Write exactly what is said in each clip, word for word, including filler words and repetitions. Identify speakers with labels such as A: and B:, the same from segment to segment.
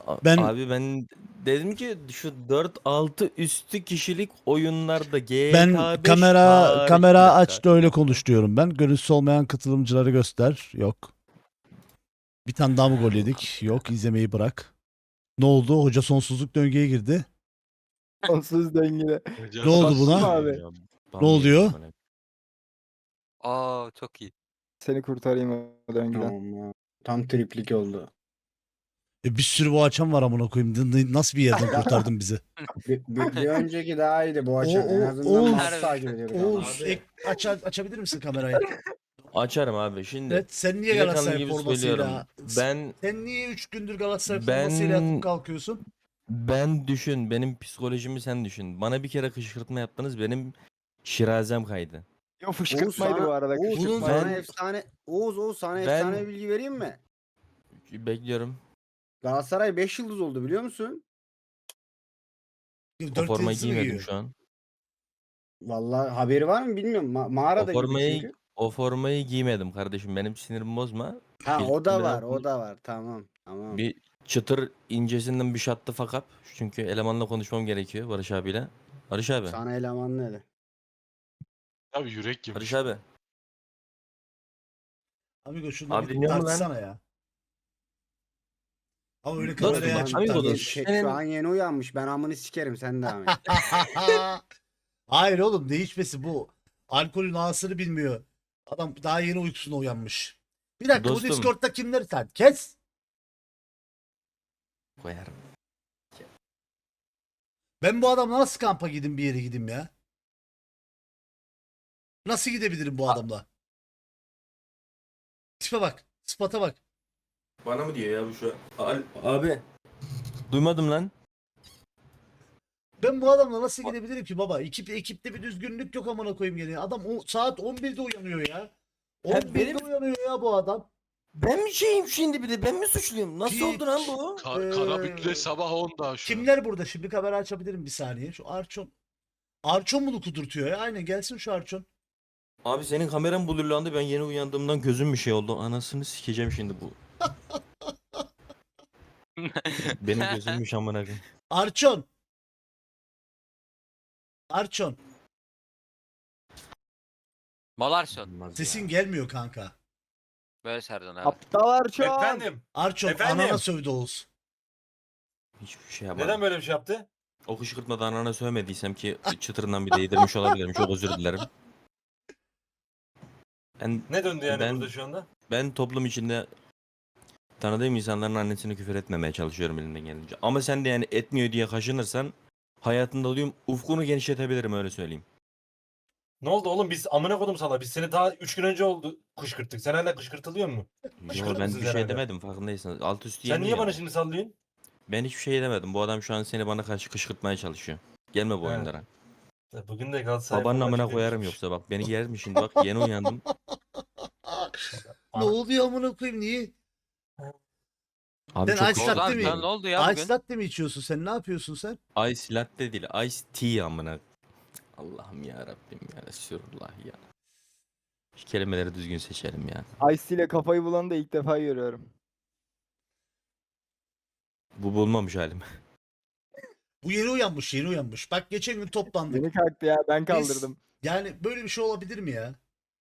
A: A-
B: Ben
A: Abi ben dedim ki şu dört altı üstü kişilik oyunlarda
B: ben
A: G T A beş
B: kamera
A: hariç bir
B: kamera
A: dakika.
B: aç da
A: Bir
B: öyle
A: dakika.
B: konuş diyorum ben. Görüntüsü olmayan katılımcıları göster. Yok. Bir tane daha mı gol
A: Allah'ım
B: yedik?
A: ya.
B: Yok, izlemeyi bırak. Ne oldu? Hoca sonsuzluk döngüye girdi.
C: Sonsuz döngüde.
B: Ne oldu
C: Baktım
B: buna?
C: abi.
A: Ya,
B: Ne
A: bam yedim
B: oluyor?
A: amına.
D: Aa çok iyi.
C: Seni kurtarayım o döngüden.
E: Tamam ya. Tam triplik oldu.
B: E bir sürü bu açan var amına koyayım. N- n- Nasıl bir yerden kurtardın bizi?
E: Bir, bir, bir önceki daha iyiydi bu
B: O,
E: açan. En
B: o,
E: azından
B: Oğuz,
E: maçı takip ediyorduk. ama.
B: Oğuz ek, aç, açabilir misin kamerayı?
A: Açarım abi şimdi.
B: Evet, sen niye
A: Delikanlı
B: Galatasaray
A: gibi
B: formasıyla
A: söylüyorum. Ben
B: sen niye üç gündür Galatasaray
A: Ben-
B: formasıyla yatıp kalkıyorsun?
A: ben düşün, benim psikolojimi sen düşün. Bana bir kere kışkırtma yaptınız, benim şirazem kaydı.
C: Yo
E: Oğuz
C: fışkırtmaydı
E: sana,
C: bu arada.
E: Oğuz,
B: Bunun-
E: sana
A: Ben-
E: efsane Oğuz Oğuz sana
A: Ben-
E: efsane bir bilgi vereyim mi?
A: Bekliyorum.
E: Galatasaray beş yıldız oldu biliyor musun?
A: O
B: Dört
A: formayı
B: yıldızı mı
A: giymedim
B: giyiyor?
A: şu an.
E: Vallahi haberi var mı bilmiyorum. Ma-
A: O
E: mağarada gibi
A: formayı
E: çünkü.
A: o formayı giymedim kardeşim. Benim sinirimi bozma.
E: Ha
A: İlk
E: o da
A: günden
E: var,
A: sonra
E: o da var. Tamam, tamam.
A: Bir çıtır incesinden bir şattı fakat. Çünkü elemanla konuşmam gerekiyor Barış abiyle. Barış abi.
E: Sana eleman ne de?
F: Abi yürek yemiş.
A: Barış abi.
B: Amigo şunu
A: Abi
B: bir
A: dinliyor musun lan?
B: tartışsana ya. Ama öyle
A: Dostum,
B: kamerayı
A: ben-
B: açıp
A: Amigo
E: Yeni-
A: dostum.
B: tartış.
E: şey, şu an yeni uyanmış. Ben amını sikerim sen devam et.
B: Hayır oğlum, ne içmesi bu? Alkolün ağasını bilmiyor. Adam daha yeni uykusuna uyanmış. Bir dakika,
A: Dostum.
B: bu Discord'da kimleri sen? Kes.
A: Koyarım.
B: Ben bu adamla nasıl kampa gideyim, bir yere gideyim ya? Nasıl gidebilirim bu adamla? Tipe bak. Sıfata bak.
A: Bana mı diyor ya bu şu an? Abi. Duymadım lan.
B: Ben bu adamla nasıl gidebilirim ki baba? Ekip, ekipte bir düzgünlük yok amına koyayım gene. Adam o, saat on birde uyanıyor ya. on birde
A: benim-
B: uyanıyor ya bu adam.
A: Ben mi şeyim şimdi bir de? Ben mi suçluyum? Nasıl
B: Hiç.
A: oldu lan bu?
F: Ka-
B: Ee,
F: Karabük'le sabah onda şu an.
B: Kimler burada? Şimdi kamera açabilirim bir saniye. Şu Arçon. Arçon bunu kudurtuyor ya. Aynen, gelsin şu Arçon.
A: Abi senin kameran blurlandı. Ben yeni uyandığımdan gözüm bir şey oldu. Anasını sikeceğim şimdi bu. Benim gözümmüş amına koyayım.
B: Arçon. Arçon.
D: Malarson.
A: Olmaz
B: Sesin
A: ya.
B: gelmiyor kanka.
D: Böyle Serdar abi.
C: Aptal şu an.
G: Efendim,
B: Arçon,
G: Efendim?
B: anana sövdü Oğuz.
A: Hiçbir şey yapmadım.
G: neden böyle bir şey yaptı?
A: O kışkırtmadan anana sövmediysem ki çıtırından bir değdirmiş olabilirim. Çok özür dilerim. Ben,
G: Ne döndü yani
A: Ben-
G: burada şu anda?
A: ben toplum içinde tanıdığım insanların annesini küfür etmemeye çalışıyorum elimden gelince. Ama sen de yani etmiyor diye kaşınırsan hayatında olayım ufkunu genişletebilirim, öyle söyleyeyim.
G: Ne oldu oğlum, biz amına kodum sana. Biz seni daha üç gün önce oldu kışkırttık. Sen hala kışkırtılıyor mu?
A: Yo,
G: Kışkırtır
A: ben
G: mısın
A: bir
G: sen
A: şey
G: hala?
A: demedim, farkındaysanız. Alt üstü
G: Sen
A: yemin
G: niye
A: ya.
G: bana şimdi sallıyorsun?
A: Ben hiçbir şey demedim. Bu adam şu an seni bana karşı kışkırtmaya çalışıyor. Gelme bu
G: He.
A: oyunlara.
G: Ya bugün de Galatasaray
A: Babanın
G: forma
A: amına
G: çıkıyor
A: koyarım
G: demiş.
A: yoksa bak. Beni yer mi şimdi, bak yeni uyandım.
B: Ne oluyor amına koyayım, niye?
A: Abi
B: Ben
A: çok
B: ice latte
D: Ozan
B: mi?
D: sen ne oldu ya
B: Ice
D: bugün?
B: latte mi içiyorsun sen? Ne yapıyorsun sen?
A: Ice latte değil, ice tea amına. Allah'ım ya Rabbim ya Resulullah ya. Şu kelimeleri düzgün seçelim ya.
C: Ice ile kafayı bulanı da ilk defa görüyorum.
A: Bu bulmamış halim.
B: Bu yeni uyanmış, yeni uyanmış. Bak geçen gün toplandık.
C: Yeni kalktı ya, ben
B: Biz-
C: kaldırdım.
B: Yani böyle bir şey olabilir mi ya?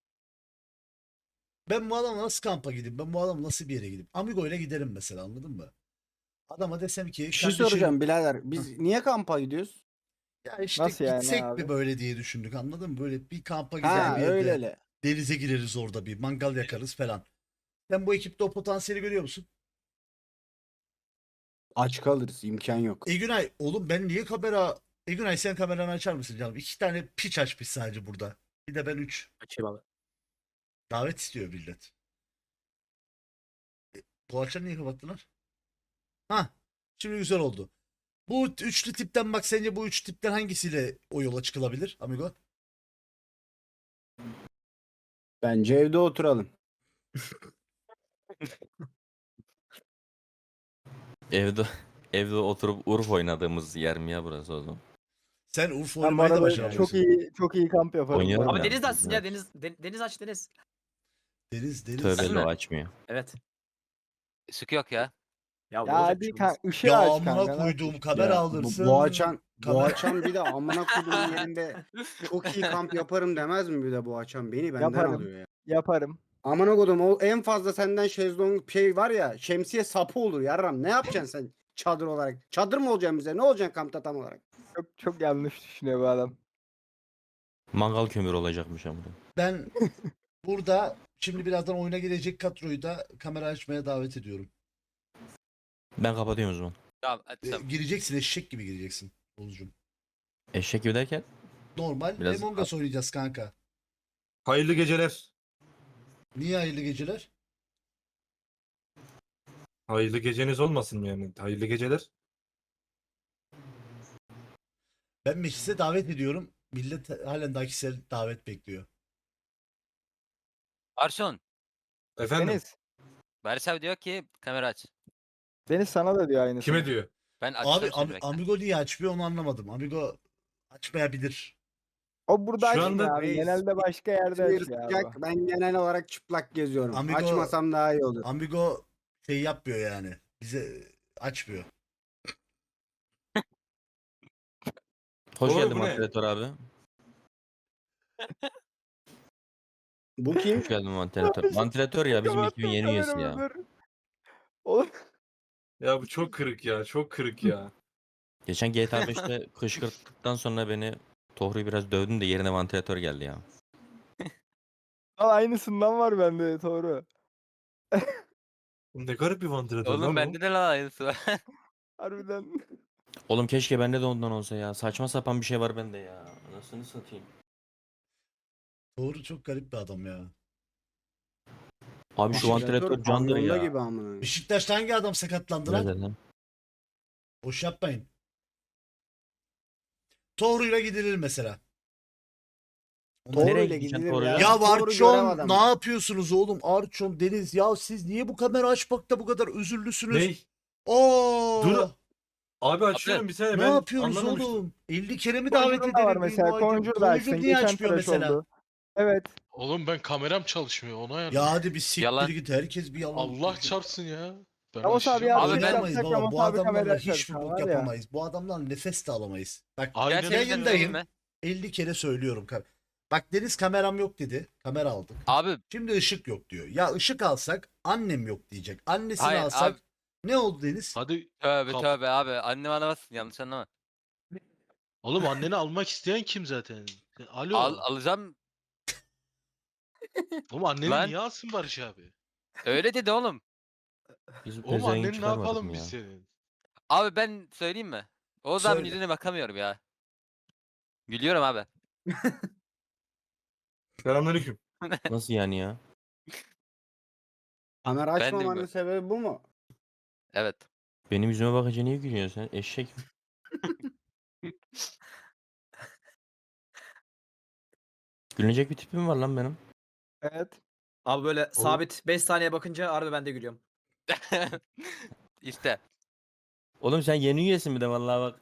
B: Ben bu adamla nasıl kampa gideyim? Ben bu adamla nasıl bir yere gideyim? Amigo ile giderim mesela, anladın mı? Adama desem ki
E: Bir şey
B: kardeşim,
E: soracağım birader. Biz niye kampa gidiyoruz?
B: ya işte
C: Nasıl yani
B: gitsek
C: abi?
B: mi böyle diye düşündük, anladın mı? Böyle bir kampa
E: Ha
B: gider bir yerde
E: öyle öyle.
B: denize gireriz, orada bir mangal yakarız falan. Sen bu ekipte o potansiyeli görüyor musun?
E: Aç kalırız imkan yok.
B: Egünay oğlum, ben niye kamera... Egünay sen kameranı açar mısın canım? İki tane piç açmış sadece burada. Bir de ben üç.
H: Açayım abi.
B: Davet istiyor millet. E, bu açları niye kapattılar? Ha, şimdi güzel oldu. Bu üçlü tipten bak, sence bu üç tipten hangisiyle o yola çıkılabilir amigo?
E: Bence evde oturalım.
A: Evde evde oturup Urf oynadığımız yer mi ya burası o zaman?
B: Sen Urfa
C: Ben bu
B: oynamayı da
C: arada
B: başarmışsın.
C: çok iyi çok iyi kamp yaparım.
A: Oynayalım
C: bu
H: Abi
C: arada.
A: ya.
H: deniz açsın ya
A: Evet.
H: deniz de- deniz aç deniz.
B: Deniz deniz.
A: Tövbe
H: Değil
A: lo
H: mi?
A: açmıyor.
H: Evet.
D: Sıkı yok ya.
H: Ya,
C: Ya
H: olacak
C: hadi
H: bir şey
C: kan
H: olmaz.
C: ışığı
B: Ya
C: aç kanka.
B: amına
C: ne
B: koyduğum kamera
E: Ya,
B: alırsın.
E: Bu, Boğaçan,
B: kamera-
E: Boğaçan bir de amına koyduğum yerinde çok iyi kamp yaparım demez mi bir de Boğaçan? Beni benden
C: Yaparım.
E: alıyor ya.
C: Yaparım.
E: Amına koydum o en fazla senden şezlong şey var ya şemsiye sapı olur yarram. Ne yapacaksın sen çadır olarak? Çadır mı olacaksın bize? Ne olacaksın kampta tam olarak?
C: Çok çok yanlış düşünüyor bu adam.
A: Mangal kömürü olacakmış ama.
B: Ben burada şimdi birazdan oyuna gelecek kadroyu da kamera açmaya davet ediyorum.
A: Ben kapatıyorum o zaman.
D: Tamam hadi
B: Ee,
D: tamam.
B: gireceksin, eşek gibi gireceksin Oğuzcum.
A: Eşek gibi derken
B: Normal
A: Biraz-
B: Among Us oynayacağız kanka.
G: Hayırlı geceler.
B: Niye hayırlı geceler?
G: Hayırlı geceniz olmasın yani. Hayırlı geceler.
B: Ben meclise davet ediyorum. Millet halen daha kişisel davet bekliyor.
D: Arson.
G: Efendim
C: Deniz.
D: Bersev diyor ki kamera aç.
C: Deniz sana da diyor aynısını.
G: kime diyor?
D: Ben
B: Abi
D: açtım
B: Am-
D: şimdi bekle.
B: Amigo niye açmıyor onu anlamadım. Amigo açmayabilir.
C: O burada
G: Şu
C: açmıyor
G: anda
C: abi.
E: reis-
C: Genelde başka yerde
E: İzmir
C: açıyor
E: sıcak,
C: abi.
E: ben genel olarak çıplak geziyorum.
B: Amigo-
E: Açmasam daha iyi olur.
B: Amigo şey yapmıyor yani. Bize açmıyor.
A: hoş
G: Oğlum,
A: geldin
G: bu ne?
A: Vantilatör abi.
E: Bu kim?
A: Hoş geldin Vantilatör. Vantilatör ya bizim
C: Kapattım
A: ekibin yeni üyesi
C: kameramı,
A: ya.
C: dur. Oğlum
G: Ya bu çok kırık ya. Çok kırık ya.
A: Geçen G T A beşte kışkırttıktan sonra beni Tohru'yu biraz dövdüm de yerine vantilatör geldi ya.
C: al aynısından var bende doğru.
G: Ne garip bir vantilatör lan
D: Oğlum
G: bu.
D: bende de lan aynısı var.
C: Harbiden.
A: Oğlum keşke bende de ondan olsa ya. Saçma sapan bir şey var bende ya. Anasını satayım.
B: Doğru, çok garip bir adam ya.
A: Abi şu vantilatör candır
E: pavyonda
A: ya.
E: gibi amına.
B: Beşiktaş'ta hangi adam sakatlandı
A: Ne
B: lan?
A: dedin?
B: Boş yapmayın. Toru'yla gidilir mesela.
E: Doğru
A: Nereye
E: ile
A: gideceksin
E: gidilir
A: Toru'ya?
E: ya.
B: Ya
E: Doğru görev
B: Arçon
E: adamı.
B: ne yapıyorsunuz oğlum? Arçon, Deniz ya siz niye bu kamera açmakta bu kadar özürlüsünüz?
G: Ney?
B: Oo!
G: Dur. Abi açıyorum bir saniye.
B: Ne
G: ben
B: yapıyorsunuz
G: anlamamıştım.
B: oğlum? elli kere mi davet
C: Conjure'da
B: edelim?
C: var mesela.
B: Conjure
C: Conjure'da açsın.
B: niye
C: Geçen
B: açmıyor
C: tıraş
B: mesela?
C: oldu. Evet.
F: Oğlum ben kameram çalışmıyor ona yani.
B: Ya hadi bir siktir
D: Yalan.
B: git, herkes bir yalan.
F: Allah çarpsın ya. Ben
C: Ramos abi
F: açacağım.
C: ya,
D: Abi ben-
B: Oynayamayız
C: yapsak
B: baba.
C: Ramos
B: Bu
C: abi
B: adamlarla
C: kamera
B: hiçbir
C: açarsa
B: bok
C: var ya.
B: yapamayız. Bu adamlarla nefes de alamayız. Bak
F: Aynen
D: Gerçekten
F: öyle.
B: yayındayım.
D: söyleyeyim mi?
B: elli kere söylüyorum. Bak Deniz kameram yok dedi. Kamera aldık.
D: Abi
B: Şimdi ışık yok diyor. Ya ışık alsak annem yok diyecek. Annesini
D: Hayır,
B: alsak
D: abi.
B: ne oldu Deniz?
F: Hadi
D: tövbe
F: Kap-
D: tövbe abi. Annem anlamazsın yanlış anlama.
F: oğlum anneni almak isteyen kim zaten? Alo.
D: Al, alacağım.
F: Oğlum anneni
D: Lan.
F: niye alsın Barış abi?
D: Öyle dedi oğlum.
A: Biz
F: Oğlum
A: pezevenk
F: anneni ne
A: çıkarmadık
F: yapalım
A: mı
F: biz
A: ya?
F: senin?
D: Abi ben söyleyeyim mi? Oğuz abinin
B: Söyle.
D: yüzüne bakamıyorum ya. Gülüyorum abi.
G: Selamünaleyküm.
A: Nasıl yani ya?
E: Kamera
D: Ben de
E: açmamanın
D: bilmiyorum.
E: sebebi bu mu?
D: Evet.
A: Benim yüzüme bakınca niye gülüyorsun sen? Eşek. Gülünecek bir tipim var lan benim.
C: Evet.
H: Abi böyle sabit beş saniye bakınca harbi ben de gülüyorum.
D: İşte.
A: Oğlum sen yeni üyesin bir de vallahi bak.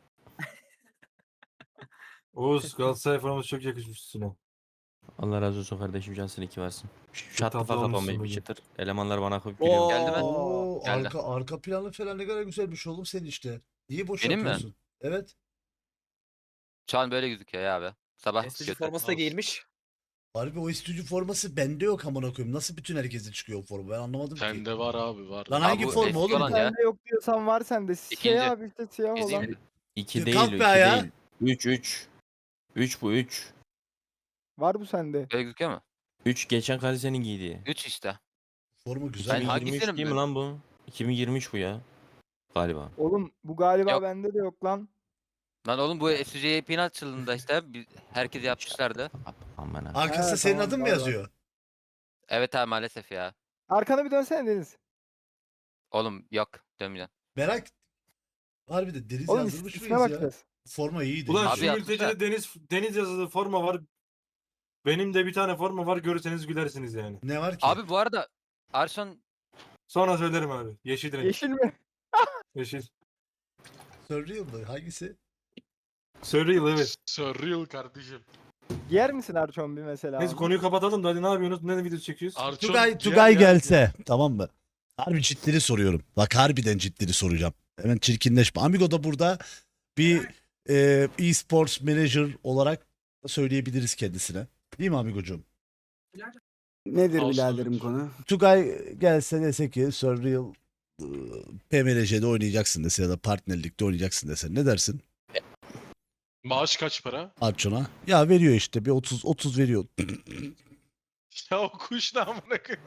G: Oğuz Galatasaray forması çok yakışmış üstüne.
A: Allah razı olsun kardeşim, cansın iki varsın. Şat
G: tatlı
A: kafa
G: olmuşsun
A: kapamayı bir
G: bugün.
A: çıtır. Elemanlar bana koyup gülüyor.
D: Geldi mi?
B: Oo,
D: Geldi.
B: arka arka planı falan ne kadar güzelmiş oğlum senin işte. Niye boş
D: Benim mi?
B: yapıyorsun? Evet.
D: Şu an böyle gözüküyor ya abi. Sabah
H: Estüdyo
D: kötü.
H: forması da
F: Olsun.
H: giyilmiş.
B: Harbi o istüdyo forması bende yok amına koyayım. Nasıl bütün herkese çıkıyor o forma? Ben anlamadım ki.
F: Sende var abi var.
B: Lan
D: Abi
B: hangi
D: bu
B: forma
D: eski
B: oğlum?
D: olan
B: bu?
D: ya.
C: Sende yok diyorsan var sende. Şey
D: İkinci.
C: abi işte siyah
D: Ezeyim
C: olan.
D: mi?
A: iki
B: Kalk
A: değil o,
B: be
A: iki
B: ayağa.
A: değil. üç üç. üç bu üç.
C: Var bu sende.
D: Böyle gözüküyor mu?
A: üç geçen Kalise'nin giydiği.
D: üç işte.
B: Forma güzel.
D: Ben
A: iki bin yirmi üç
D: hangisini
A: değil mi
D: mi-
A: lan bu? iki bin yirmi üç bu ya. Galiba.
C: Oğlum bu galiba
D: Yok.
C: bende de yok lan.
D: Lan oğlum bu S C J'nin açıldığında işte bir- herkes yapmışlardı.
A: Aman ha.
B: Arkasında
C: Ha,
B: senin
C: tamam,
B: adın mı
C: var, var.
B: yazıyor?
D: Evet abi maalesef ya.
C: Arkana bir dönsene Deniz.
D: Oğlum yok dönmeyeceğim.
B: Merak. Harbi de Deniz
C: Oğlum
B: yazdırmış
C: is-
B: mıyız
C: isme
B: ya?
C: bakacağız.
B: Forma iyiydi.
G: Ulan
D: Abi
G: şu
D: yaptık
G: mültecide deniz deniz yazılı forma var. Benim de bir tane forma var, görürseniz gülersiniz yani.
B: Ne var ki?
D: Abi bu arada Arson
G: Sonra söylerim abi. Yeşil renk.
C: Yeşil mi?
G: Yeşil.
B: Surreal mı? Hangisi?
G: Surreal evet.
F: Surreal kardeşim.
C: Giyer misin Arçon bir mesela?
G: Neyse
C: onu?
G: konuyu kapatalım da hadi ne yapıyorsunuz? Ne video çekiyoruz?
F: Arçon,
B: Tugay,
F: gel,
B: Tugay
F: gel.
B: gelse. Tamam mı? Harbi ciddili soruyorum. Bak harbiden ciddili soracağım. Hemen çirkinleşme. Amigo da burada bir e, e-sports manager olarak söyleyebiliriz kendisine. Değil mi Amigocuğum?
E: Nedir
F: Olsun.
E: biraderim konu?
B: Tugay gelse dese ki Surreal e, P M R J'de oynayacaksın dese ya da partnerlikte oynayacaksın dese ne dersin
F: Maaş kaç para?
B: Arçon'a? Ya veriyor işte bir otuz otuz veriyor.
F: Ya o kuş ne amına koyayım.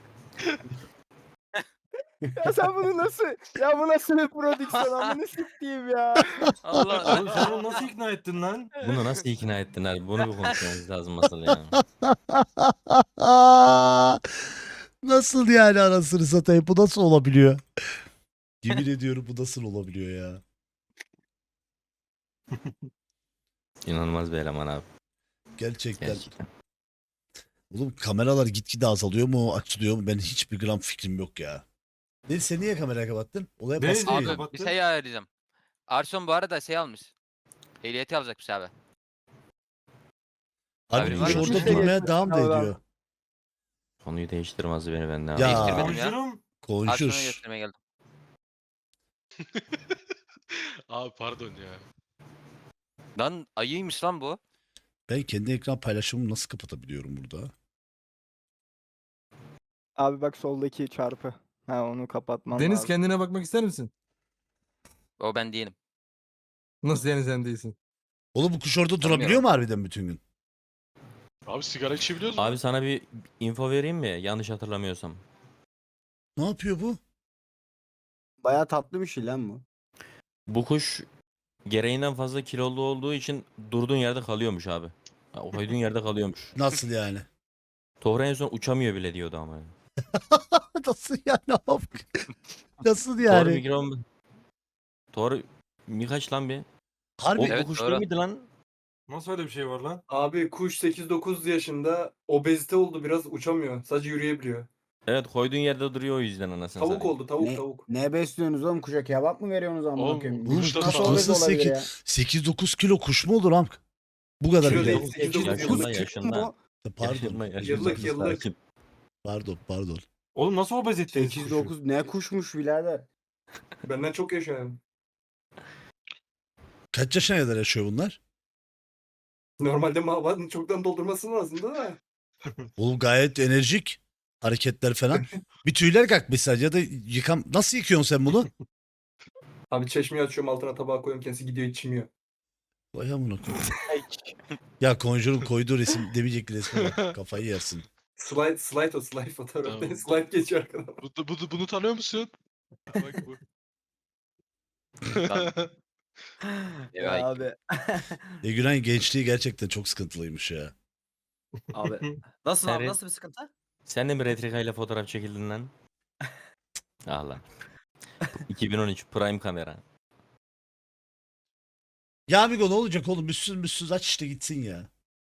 C: Ya sen bunu nasıl? Ya bu nasıl bir prodüksiyon amını sikeyim ya.
D: Allah
G: Oğlum sen onu nasıl ikna ettin lan?
A: Bunu nasıl ikna ettin abi? Bunu bir konuşmamız lazım asıl ya.
B: Nasıl yani anasını satayım? Bu nasıl olabiliyor? Yemin ediyorum bu nasıl olabiliyor ya?
A: İnanılmaz bir eleman abi.
B: Gerçekten.
A: Gerçekten.
B: Oğlum kameralar gitgide azalıyor mu açılıyor mu? Ben hiçbir gram fikrim yok ya. Deniz sen niye kamerayı kapattın? Olaya
G: Deniz
B: baskı
G: niye
B: yiyor.
D: abi
G: kapattı?
D: bir şey ayarlayacağım. Arson bu arada şey almış. Ehliyeti alacakmış abi.
B: Abi
D: Haberin
B: kuş
D: var mı?
B: orada
C: Hiçbir şey
B: durmaya
C: geçmedi
B: devam da
C: sınavdan.
B: ediyor.
A: Konuyu değiştirmez beni benden.
B: Ya.
D: Değiştirmedim ya.
G: Bonjour'um.
D: Arson'a
B: Konuşur.
D: göstermeye geldim.
F: Abi pardon ya.
D: Lan ayıymış lan bu.
B: Ben kendi ekran paylaşımımı nasıl kapatabiliyorum burada?
C: Abi bak soldaki çarpı. Ha onu kapatmam
I: Deniz
C: lazım.
I: kendine bakmak ister misin?
D: O ben değilim.
I: Nasıl yani sen değilsin?
B: Oğlum bu kuş orada
D: Tanımıyorum.
B: durabiliyor mu harbiden bütün gün?
F: Abi sigara içebiliyoruz mu?
A: Abi sana bir info vereyim mi? Yanlış hatırlamıyorsam.
B: Ne yapıyor bu?
E: Baya tatlı bir şey lan bu.
A: Bu kuş gereğinden fazla kilolu olduğu için durduğun yerde kalıyormuş abi. Ha, o koyduğun yerde kalıyormuş.
B: Nasıl yani?
A: Tohra en son uçamıyor bile diyordu ama.
B: Nasıl yani abi? Nasıl
A: Tohra
B: yani?
A: mikron... Tohra mi kaç lan bir?
B: Harbi
A: O,
D: Evet,
A: bu kuş
D: doğru.
A: değil miydi lan?
G: Nasıl öyle bir şey var lan?
J: Abi kuş sekiz dokuz yaşında obezite oldu biraz uçamıyor. Sadece yürüyebiliyor.
A: Evet koyduğun yerde duruyor o yüzden anasını
J: Tavuk
A: satayım.
J: oldu tavuk
E: Ne,
J: tavuk.
E: ne besliyorsunuz oğlum kuşa? Kebap mı veriyorsunuz amına
F: Oğlum,
E: koyayım?
B: Oğlum
F: Kuş da
B: kuş
F: tamam.
E: obez
B: nasıl
E: olabilir ya?
B: sekiz dokuz kilo kuş mu olur am? Bu kadar
J: Kilo
B: bile.
J: değil,
A: Sekiz-
J: sekiz dokuz
A: yaşında,
J: yıllık.
A: yaşında.
B: Pardon.
A: Yaşında, yaşında.
J: Yıllık, yıllık.
A: Sakin.
B: Pardon pardon.
G: Oğlum nasıl obez ettiniz
E: sekiz
G: kuşu?
E: dokuz ne kuşmuş birader?
J: Benden çok yaşıyor.
B: Kaç yaşına kadar yaşıyor bunlar?
J: Normalde mavanın çoktan doldurması lazım da.
B: Oğlum gayet enerjik. Hareketler falan. Bir tüyler kalkmış sadece ya da yıkam... Nasıl yıkıyorsun sen bunu?
J: Abi çeşmeyi açıyorum altına tabağa koyuyorum kendisi gidiyor içmiyor.
B: Vay amına koyayım. Ya Conjure'un koyduğu resim demeyecek resme bak. Kafayı yersin.
J: Slide, slide o slide fotoğraf.
F: Tamam.
J: Slide geçiyor arkadan.
F: Bu, bu, bunu tanıyor musun? Bak bu.
D: Evet.
H: Abi.
B: E Gülen gençliği gerçekten çok sıkıntılıymış ya.
H: Abi. Nasıl
A: Sen
H: abi
A: re-
H: nasıl bir sıkıntı?
A: Sen de mi Retrika ile fotoğraf çekildin lan? Allah. iki bin on üç Prime kamera.
B: Ya amigo ne olacak oğlum? Müssüz müssüz aç işte gitsin ya.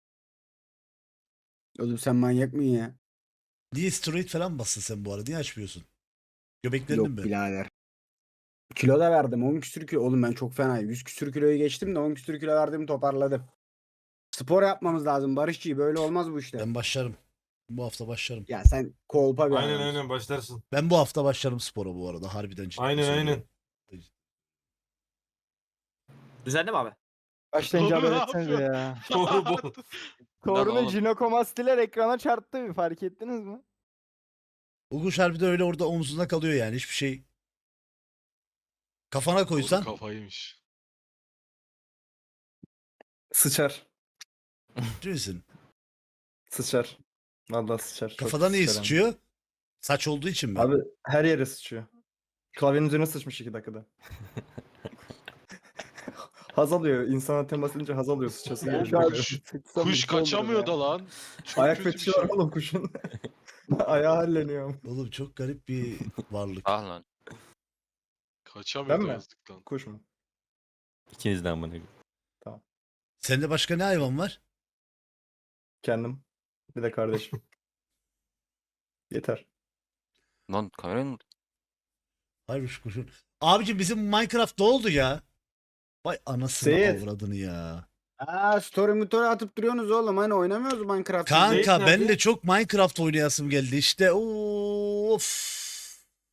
E: Oğlum sen manyak mısın ya?
B: Niye steroid falan bastın sen bu arada? Niye açmıyorsun? Göbeklerini
E: Yok
B: mi?
E: birader. Kilo da verdim. on küsür kilo. Oğlum ben çok fena. yüz küsür kiloyu geçtim de on küsür kilo verdim toparladım. Spor yapmamız lazım Barışçı. Böyle olmaz bu işler.
B: Ben başlarım. Bu hafta başlarım.
E: Ya sen kolpa bir
G: Aynen
E: adamsın.
G: aynen başlarsın.
B: Ben bu hafta başlarım spora bu arada. Harbiden ciddi
G: Aynen
B: söylüyorum.
G: aynen.
H: Düzenli mi abi?
C: Başlayınca
F: Doğru, ne
C: haber etsenize
F: yapıyor?
C: ya.
G: Doğru bu.
C: Torun'un
D: oğlum.
C: jinokomastiler ekrana çarptı bir fark ettiniz mi?
B: O kuş harbiden öyle orada omzunda kalıyor yani. Hiçbir şey. Kafana koysan.
F: Doğru kafaymış.
J: Sıçar.
B: Ciddi misin?
J: Sıçar. Vallahi sıçar. Çok
B: Kafada niye
J: sıçar hem de.
B: sıçıyor? Saç olduğu için mi?
J: Abi her yere sıçıyor. Klavyenin üzerine sıçmış iki dakikada. Haz alıyor. İnsana temas edince haz alıyor sıçası
C: Ya
J: geliyor.
C: şu an
F: Kuş-
C: sıksam
F: Kuş
C: mutlu olurum
F: kaçamıyor
C: ya.
F: da lan. Çok
J: Ayak
F: kötü bir
J: fetişi
F: şey.
J: var oğlum kuşun. Ayağı halleniyor.
B: Oğlum çok garip bir varlık.
D: Ah lan.
F: Kaçamıyor
J: Ben
F: da
J: mi?
F: yazdık lan.
J: Kuş mu?
A: İkiniz de amına.
B: Sende başka ne hayvan var?
J: Kendim. Bir de kardeşim. Yeter.
D: Lan kamerayı mı?
B: Hayır şu kuşun. Abicim bizim Minecraft ne oldu ya? Vay anasını
J: Seyit.
B: avradını ya.
E: Aa story motoru atıp duruyorsunuz oğlum. Hani oynamıyoruz Minecraft.
B: Kanka
G: Zeyt
B: ben
G: nerede?
B: de çok Minecraft oynayasım geldi işte. Of.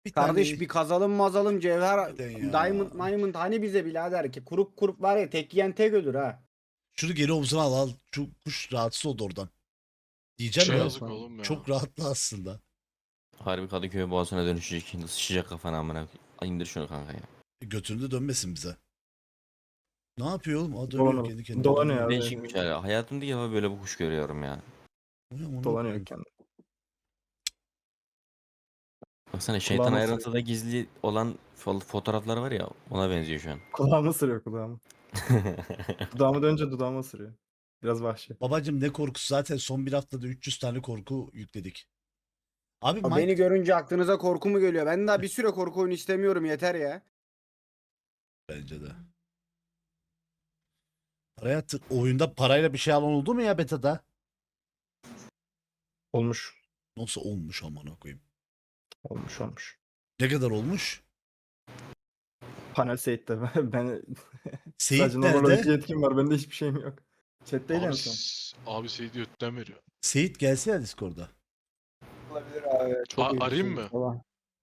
B: Bir
E: Kardeş
B: tane-
E: bir kazalım mazalım cevher
B: Harbiden ya.
E: diamond diamond hani bize birader ki kurup kurup var ya tek yiyen tek ölür ha.
B: Şunu geri omzuna al al. Şu kuş rahatsız oldu oradan. Diyeceğim
F: Şey
B: ya.
F: yazık oğlum ya.
B: Çok rahatlı aslında.
A: Harbi Kadıköy boğazına dönüşecek. Şimdi sıçacak kafana amına. Ay, İndir şunu kanka ya.
B: Götünde dönmesin bize. Ne yapıyor oğlum? Aa, dönüyor
C: Dolanıyor.
B: kendi kendine.
C: Dolanıyor
B: Dönüyor.
C: abi.
A: Değişikmiş hala. Hayatımda ilk defa böyle bir kuş görüyorum ya.
B: Ulan onu
C: Dolanıyor
B: koyayım.
C: kendi.
A: Baksana şeytan
C: Kulağıma
A: ayrıntıda gizli olan fo- fotoğraflar var ya, ona benziyor şu an.
C: Kulağımı ısırıyor kulağımı. Dudağımı dönünce dudağımı ısırıyor. Biraz vahşi.
B: Babacım ne korkusu? Zaten son bir haftada üç yüz tane korku yükledik. Abi
E: Abi
B: Mike...
E: beni görünce aklınıza korku mu geliyor? Ben daha bir süre korku oyunu istemiyorum yeter ya.
B: Bence de. Paraya tık oyunda parayla bir şey alan oldu mu ya beta'da?
C: Olmuş.
B: Nasıl olmuş amına koyayım.
C: Olmuş olmuş.
B: Ne kadar olmuş?
C: Panel Seyit'te ben
B: Seyit
C: sadece normal
B: nerede?
C: oyuncu yetkim var. Bende hiçbir şeyim yok. Chat'teydi en
F: Abi,
C: son.
F: s- abi Seyit götten veriyor.
B: Seyit gelse ya Discord'a.
E: Olabilir abi. Çok
F: A-
E: iyi bir
F: arayayım
E: şey
F: mı?
E: falan.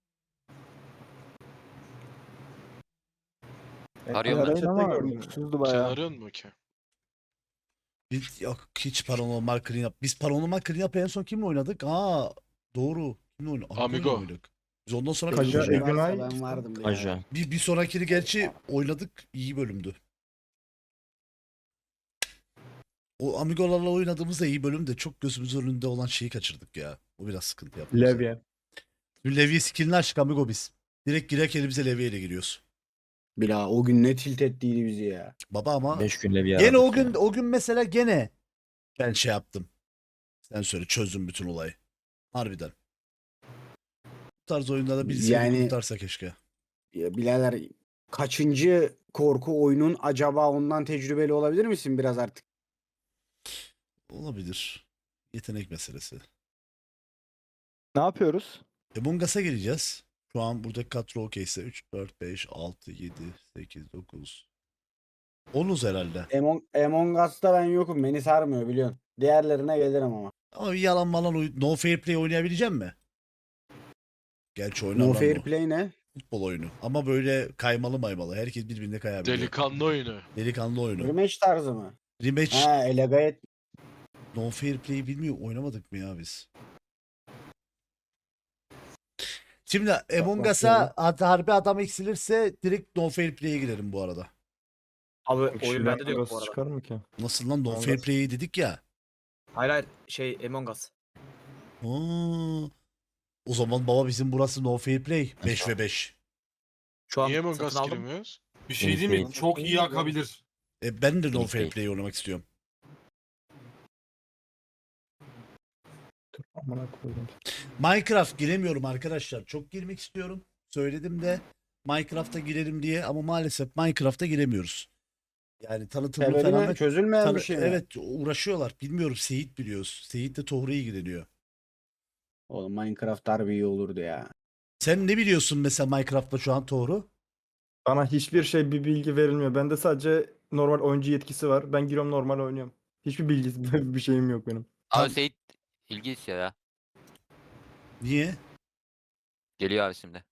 D: Arıyorum ben.
C: Arayın ama
E: gördüm.
C: mutsuzdu
F: Sen
C: bayağı.
F: arıyorsun mu ki?
B: Biz, yok hiç paranormal clean up. Biz paranormal clean up en son kimle oynadık? Aa doğru. Kimle oynadık?
F: Amigo.
B: Amigo'yla oynadık. Biz ondan sonra
C: Kaja,
B: bir,
C: Egün Ay.
E: Ben vardım. bir
A: Aja.
E: ara.
B: bir, bir sonrakini gerçi oynadık. İyi bölümdü. O Amigo'larla oynadığımız da iyi bölüm de çok gözümüz önünde olan şeyi kaçırdık ya. O biraz sıkıntı yaptı. bize.
C: Levye.
B: Dün Levi'ye skillini açtık Amigo biz. Direkt girerken elimize Levi'ye ile giriyoruz.
E: Bila o gün ne tilt ettiydi bizi ya.
B: Baba ama
A: beş günle bir
B: gene o
A: aradık
B: gün
A: ya.
B: o gün mesela gene ben şey yaptım. Sen söyle çözdüm bütün olayı. Harbiden. Bu tarz oyunlarda birisi
E: Yani-
B: yani... kurtarsa keşke.
E: Ya birader kaçıncı korku oyunun acaba ondan tecrübeli olabilir misin biraz artık?
B: Olabilir. Yetenek meselesi.
C: Ne yapıyoruz?
B: Among Us'a gireceğiz. Şu an buradaki kadro okeyse üç, dört, beş, altı, yedi, sekiz, dokuz. onuz herhalde.
E: Among, Among Us'ta ben yokum. Beni sarmıyor biliyorsun. Diğerlerine gelirim ama.
B: Ama bir yalan malan oyun. No Fair Play oynayabilecek mi? Gerçi oynar
E: No
B: lan
E: Fair
B: o.
E: Play ne?
B: Futbol oyunu. Ama böyle kaymalı maymalı. Herkes birbirine kayabiliyor.
F: Delikanlı oyunu.
B: Delikanlı oyunu.
E: Rematch tarzı mı?
B: Rematch.
E: Ha elegayet.
B: No Fair Play'i bilmiyor. Oynamadık mı ya biz? Şimdi Among Us'a ad- harbi adam eksilirse direkt No Fair Play'e girerim bu arada.
H: Abi oyun
C: Kişiden
H: bende de yok bu
C: burası
H: arada.
C: çıkar mı ki?
B: Nasıl lan No
C: Among
B: Fair
C: Us.
B: Play'i dedik ya.
H: Hayır hayır şey Among Us.
B: Aa, o zaman baba bizim burası No Fair Play. beş ve beş.
H: Şu an
F: Niye Among
H: satın
F: Us
H: aldım.
F: giremiyoruz?
G: Bir şey değil mi?
A: Değil.
G: Çok iyi akabilir.
B: E, ben de No
A: Değil,
B: Fair
A: değil.
B: Play oynamak istiyorum.
C: Amına koydum.
B: Minecraft giremiyorum arkadaşlar. Çok girmek istiyorum. Söyledim de Minecraft'a girelim diye ama maalesef Minecraft'a giremiyoruz. Yani tanıtımı
E: Sebebi
B: falan
E: ne?
B: da
E: Çözülmeyen
B: tanı-
E: bir şey mi?
B: evet uğraşıyorlar. Bilmiyorum Seyit biliyoruz. Seyit de Tohru'ya ilgileniyor.
E: Oğlum Minecraft harbi iyi olurdu ya.
B: Sen ne biliyorsun mesela Minecraft'ta şu an Tohru?
C: Bana hiçbir şey bir bilgi verilmiyor. Bende sadece normal oyuncu yetkisi var. Ben giriyorum normal oynuyorum. Hiçbir bilgi bir şeyim yok benim.
D: Abi
B: Tam-
D: Seyit ilgi istiyor ya.
B: Niye?
D: Geliyor abi şimdi.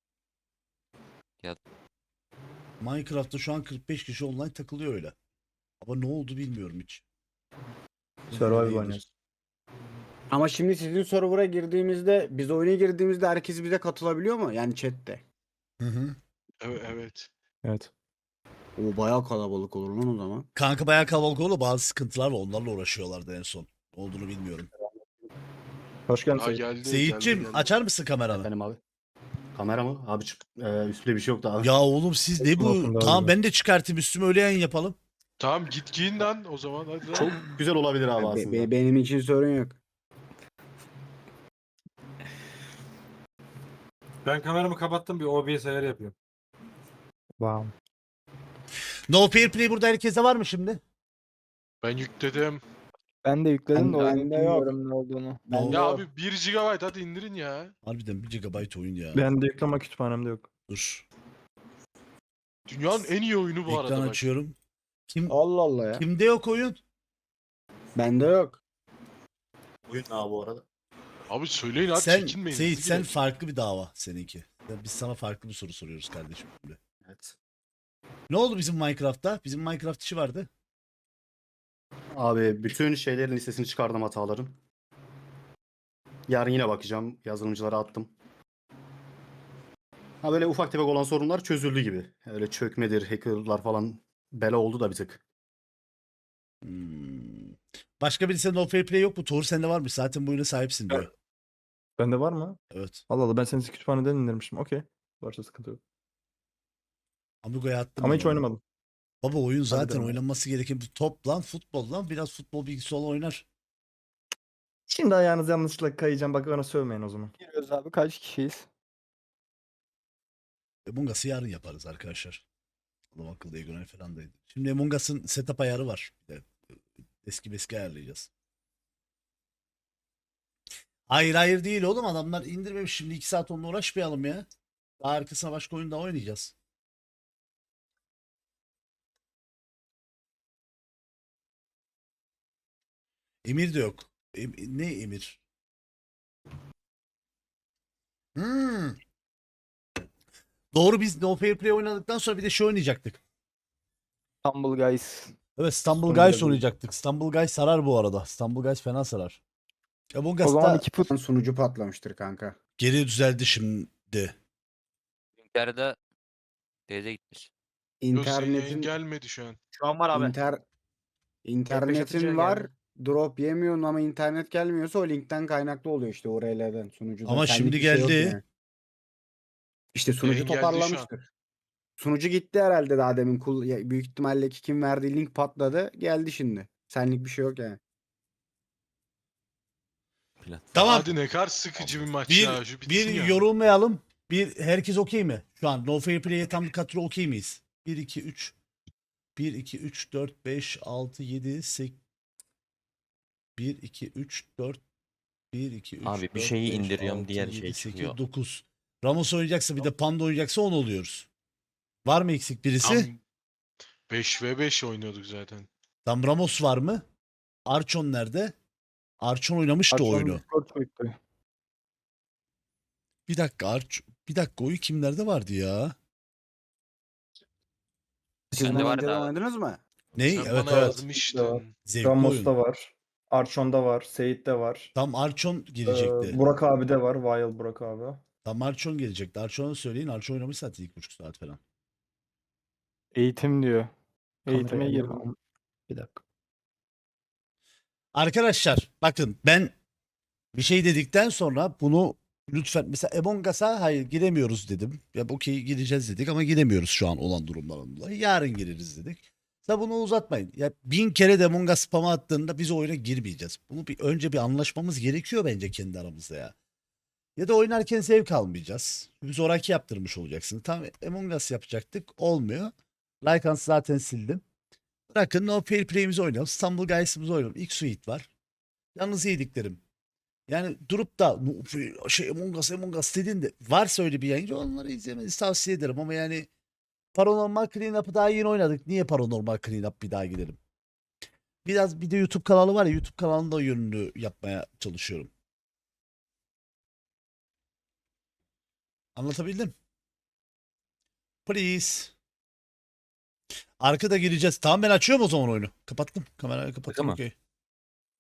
B: Minecraft'ta şu an kırk beş kişi online takılıyor öyle. Ama ne oldu bilmiyorum hiç.
C: Survival
B: Neydir?
C: oynuyoruz.
E: Ama şimdi sizin server'a girdiğimizde, biz oyuna girdiğimizde herkes bize katılabiliyor mu? Yani chatte.
B: Hı hı.
F: Evet. evet.
C: Evet.
E: O bayağı kalabalık olur lan o zaman.
B: Kanka bayağı kalabalık oldu. Bazı sıkıntılar var. Onlarla uğraşıyorlardı en son. Ne olduğunu bilmiyorum.
C: Hoş geldin
F: Ha
C: Seyit.
F: geldi.
B: Seyitçim
F: geldi, geldi.
B: açar mısın kameranı?
K: Benim abi. Kamera mı? Abi çık. Ee, üstünde bir şey yoktu abi.
B: Ya oğlum siz ne
C: Olsun,
B: bu?
C: olsun, daha
B: Tamam
C: iyi.
B: ben de çıkartayım üstüme öyle yayın yapalım.
F: Tamam git giyin lan o zaman hadi lan.
K: Çok güzel olabilir abi
E: Be-
K: aslında.
E: be- benim için sorun yok.
G: Ben kameramı kapattım, bir O B S ayarı yapıyorum.
C: Wow.
B: No Fair Play burada herkese var mı şimdi?
F: Ben yükledim.
C: Ben de yükledim
E: Ben-
C: de
E: bende
C: oyunu
E: yok.
C: bilmiyorum ne olduğunu.
E: Ben de
F: Ya
E: yok.
F: abi bir gigabayt hadi indirin ya.
B: Harbiden bir gigabayt oyun ya.
C: Ben de yükleme kütüphanemde yok.
B: Dur.
F: Dünyanın en iyi oyunu bu
B: Ekran
F: arada bak.
B: açıyorum. Kim
E: Allah Allah ya.
B: kimde yok oyun?
E: Bende yok.
K: Oyun abi bu arada.
F: Abi söyleyin hadi
B: Sen
F: çekinmeyin.
B: Seyit
F: hadi
B: sen
F: gidelim.
B: farklı bir dava seninki. Ya biz sana farklı bir soru soruyoruz kardeşim şimdi.
K: Evet.
B: Ne oldu bizim Minecraft'ta? Bizim Minecraft işi vardı.
K: Abi bütün şeylerin listesini çıkardım hataların. Yarın yine bakacağım. Yazılımcılara attım. Ha böyle ufak tefek olan sorunlar çözüldü gibi. Öyle çökmedir, hackerlar falan bela oldu da bir tık.
B: Hmm. Başka birisinde no fair play yok mu? Tuğur sende var mı? Zaten bu oyuna sahipsin diyor.
C: Bende var mı?
B: Evet.
C: Allah Allah ben seni kütüphaneden indirmişim. Okey. Varsa sıkıntı yok.
B: Amigo'ya attım.
C: Ama
B: ben
C: hiç
B: onu.
C: oynamadım.
B: Baba oyun zaten
C: devam.
B: oynanması gereken bir top lan, futbol lan. Biraz futbol bilgisi olan oynar.
C: Şimdi ayağınız yanlışlıkla kayacağım. Bak bana sövmeyin o zaman.
E: Giriyoruz abi kaç kişiyiz?
B: Among Us'ı yarın yaparız arkadaşlar. Adam akıllı Egonel falan daydı. Şimdi Among Us'ın setup ayarı var. Bir de eski meski ayarlayacağız. Hayır hayır değil oğlum, adamlar indirmemiş. Şimdi iki saat onunla uğraşmayalım ya. Daha arkasına başka oyun daha oynayacağız. Emir de yok. Em- ne Emir? Hmm. Doğru, biz No Fair Play oynadıktan sonra bir de şey oynayacaktık.
E: Humble Guys.
B: Evet, Stumble
C: Stumble
B: Guys
C: Guys.
B: oynayacaktık. Stumble Guys sarar bu arada. Stumble Guys fena sarar. Among
E: O zaman
B: Us'ta
E: iki put sunucu patlamıştır kanka.
B: geri düzeldi şimdi.
D: Yarıda teyze gitmiş.
F: Yok senin yayın
E: İnternetin
F: gelmedi şu an.
H: Şu an var abi.
E: inter
H: atınca
E: internetin var.
H: geldi.
E: Drop yemiyorsun ama internet gelmiyorsa o linkten kaynaklı oluyor işte o R L'den sunucuda.
B: Ama
E: Senlik
B: şimdi
E: bir şey yok
B: geldi.
E: yani. İşte sunucu
F: Yayın geldi şu an.
E: toparlamıştır. Sunucu gitti herhalde daha demin. Kul- ya büyük ihtimalle ki kim verdiği link patladı. Geldi şimdi. Senlik bir şey yok yani.
A: Platform.
B: Tamam.
F: Hadi ne kadar sıkıcı bir maç
B: Bir,
F: ya. Şu bitsin
B: bir
F: ya.
B: yorulmayalım. Bir herkes okey mi? Şu an No Fair Play'e tam kadro okey miyiz? bir iki üç bir iki üç dört beş altı yedi sekiz bir iki üç dört bir iki üç
A: Abi bir
B: dört,
A: şeyi
B: beş,
A: indiriyorum,
B: altı,
A: diğer
B: yedi,
A: şey
B: sekiz,
A: çıkıyor.
B: dokuz. Ramos oynayacaksa bir de Panda oynayacaksa on oluyoruz. Var mı eksik birisi?
F: Tam beş ve beş oynuyorduk zaten.
B: Tam Ramos var mı? Archon nerede? Archon oynamıştı o
C: Akşam
B: oyunu.
C: Discord çekti.
B: Bir dakika Arch bir dakika oyu kimlerde vardı ya?
E: Siz
D: Bende
E: bunu
D: var
E: önceden
D: da-
E: oynadınız mı?
B: Ney?
F: Sen
B: Evet
F: bana
B: evet.
F: yazmıştın.
B: Zevkli oyun.
C: Ramos'ta var. Archon'da var. Seyit'te var.
B: Tam Archon
C: Ee,
B: gelecekti.
C: Burak abi de var. Wild Burak abi.
B: Tam Archon gelecekti. Archon'u söyleyin. Archon oynamış zaten ilk buçuk saat falan.
C: Eğitim diyor. Eğitime
B: Kameraya
C: girdim. Bir dakika.
B: Arkadaşlar bakın, ben bir şey dedikten sonra bunu lütfen, mesela Among Us'a hayır giremiyoruz dedim. Ya okey gireceğiz dedik ama giremiyoruz şu an olan durumlardan dolayı. Yarın gireriz dedik. Sen bunu uzatmayın. Ya bin kere de Among Us spam'a attığında biz o oyuna girmeyeceğiz. Bunu bir önce bir anlaşmamız gerekiyor bence kendi aramızda ya. Ya da oynarken zevk almayacağız. Çünkü zoraki yaptırmış olacaksın. Tamam, Among Us yapacaktık. Olmuyor. Lycans'ı zaten sildim. Bırakın No Fair Play'imizi oynayalım. Stumble Guys'ımızı oynayalım. İlk suite var. Yalnız yediklerim. Yani durup da "No Fair- şey Among Us Among Us dediğinde varsa öyle bir yayıncı onları izlemenizi tavsiye ederim. Ama yani Paranormal Cleanup'ı daha yeni oynadık. Niye Paranormal Cleanup bir daha gidelim? Biraz bir de YouTube kanalı var ya, YouTube kanalında yönlü yapmaya çalışıyorum. Anlatabildim? Please. Arkada gireceğiz. Tamam, ben açıyorum o zaman oyunu. Kapattım. Kamerayı kapattım.
A: Tamam.
B: Okey.